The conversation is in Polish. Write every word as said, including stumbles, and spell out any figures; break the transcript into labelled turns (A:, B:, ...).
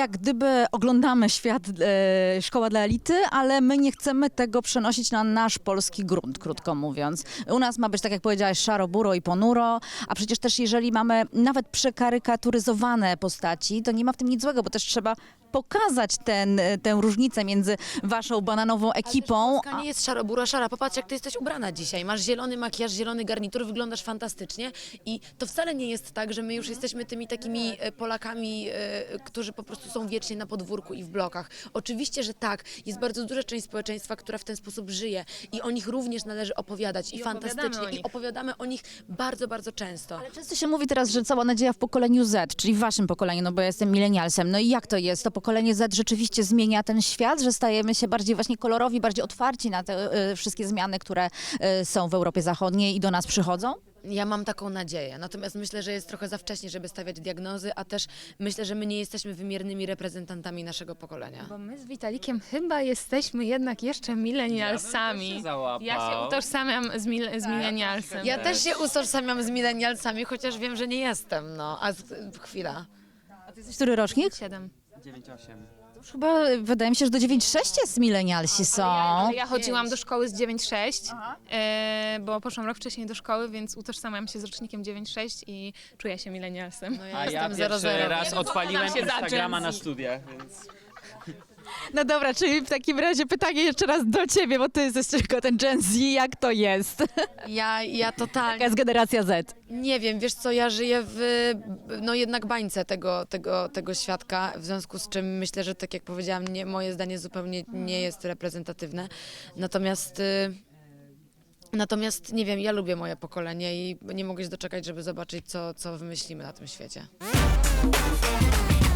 A: jak gdyby oglądamy świat e, Szkoła dla Elity, ale my nie chcemy tego przenosić na nasz polski grunt, krótko mówiąc. U nas ma być, tak jak powiedziałaś, szaro, buro i ponuro, a przecież też jeżeli mamy nawet przekarykaturyzowane postaci, to nie ma w tym nic złego, bo też trzeba pokazać ten, tę różnicę między waszą bananową ekipą.
B: Polska nie jest szaro-bura szara. Popatrz, jak ty jesteś ubrana dzisiaj. Masz zielony makijaż, zielony garnitur, wyglądasz fantastycznie i to wcale nie jest tak, że my już jesteśmy tymi takimi e, Polakami, e, którzy po prostu są wiecznie na podwórku i w blokach. Oczywiście, że tak. Jest bardzo duża część społeczeństwa, która w ten sposób żyje i o nich również należy opowiadać i,
C: I
B: fantastycznie.
C: opowiadamy o
B: I
C: nich.
B: opowiadamy o nich bardzo, bardzo często.
A: Ale często się mówi teraz, że cała nadzieja w pokoleniu Z, czyli w waszym pokoleniu, no bo ja jestem milenialsem. No i jak to jest? To pokolenie Z rzeczywiście zmienia ten świat, że stajemy się bardziej właśnie kolorowi, bardziej otwarci na te y, wszystkie zmiany, które y, są w Europie Zachodniej i do nas przychodzą?
B: Ja mam taką nadzieję, natomiast myślę, że jest trochę za wcześnie, żeby stawiać diagnozy, a też myślę, że my nie jesteśmy wymiernymi reprezentantami naszego pokolenia.
C: Bo my z Witalikiem chyba jesteśmy jednak jeszcze milenialsami.
D: Ja bym też się załapał.
C: Ja się utożsamiam z, mil, z milenialsem.
B: Ja też się utożsamiam z milenialsami, chociaż wiem, że nie jestem, no. A z, chwila.
A: A ty jesteś który rocznik?
C: Siedem.
D: dziewięć osiem.
A: To już chyba wydaje mi się, że do dziewięć sześć jest milenialsi są.
C: Ale ja chodziłam do szkoły z dziewięć sześć, e, bo poszłam rok wcześniej do szkoły, więc utożsamiam się z rocznikiem dziewięć sześć i czuję się milenialsem.
B: No
D: A
B: ja
D: ja
B: jestem zero
D: pierwszy
B: zero.
D: raz odpaliłem
C: się za
D: Instagrama
C: Gen
D: na
C: Z.
D: studiach, więc...
A: No dobra, czyli w takim razie pytanie jeszcze raz do ciebie, bo ty jesteś tylko ten Gen Z, jak to jest?
B: Ja, ja
A: Jaka
B: totalnie
A: jest generacja Z?
B: nie wiem, wiesz co, ja żyję w, no jednak bańce tego, tego, tego świadka, w związku z czym myślę, że tak jak powiedziałam, nie, moje zdanie zupełnie nie jest reprezentatywne. Natomiast... Y, Natomiast nie wiem, ja lubię moje pokolenie i nie mogę się doczekać, żeby zobaczyć, co, co wymyślimy na tym świecie.